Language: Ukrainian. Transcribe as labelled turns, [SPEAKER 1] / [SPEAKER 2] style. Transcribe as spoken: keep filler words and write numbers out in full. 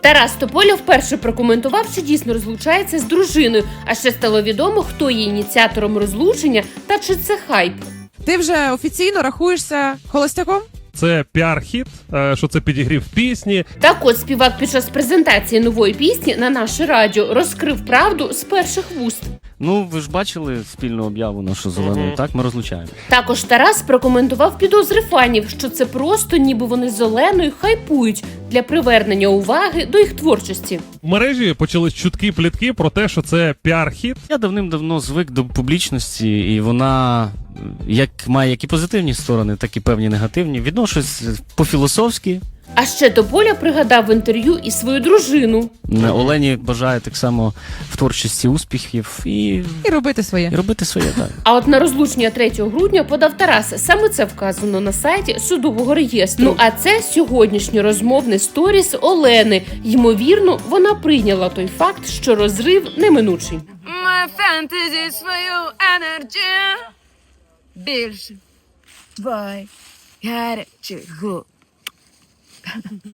[SPEAKER 1] Тарас Тополя вперше прокоментував, що дійсно розлучається з дружиною, а ще стало відомо, хто є ініціатором розлучення та чи це хайп.
[SPEAKER 2] Ти вже офіційно рахуєшся холостяком?
[SPEAKER 3] Це піар-хіт, е, що це підігрів пісні.
[SPEAKER 1] Так от співак під час презентації нової пісні на наше радіо розкрив правду з перших вуст.
[SPEAKER 4] Ну, ви ж бачили спільну об'яву нашу з Оленою, так? Ми розлучаємо.
[SPEAKER 1] Також Тарас прокоментував підозри фанів, що це просто ніби вони з Оленою хайпують для привернення уваги до їх творчості.
[SPEAKER 3] В мережі почались чуткі плітки про те, що це піар-хіт.
[SPEAKER 4] Я давним-давно звик до публічності, і вона як має як і позитивні сторони, так і певні негативні. Відношусь по-філософськи.
[SPEAKER 1] А ще Тополя пригадав в інтерв'ю і свою дружину.
[SPEAKER 4] Олені бажаю так само в творчості успіхів і,
[SPEAKER 2] І робити своє.
[SPEAKER 4] і робити своє, так.
[SPEAKER 1] А от на розлучення третього грудня подав Тарас. Саме це вказано на сайті судового реєстру. Ну а це сьогоднішнє розмовне сторіс Олени. Ймовірно, вона прийняла той факт, що розрив неминучий.
[SPEAKER 5] My fantasy свою енергію більше. Бой гарячих губ.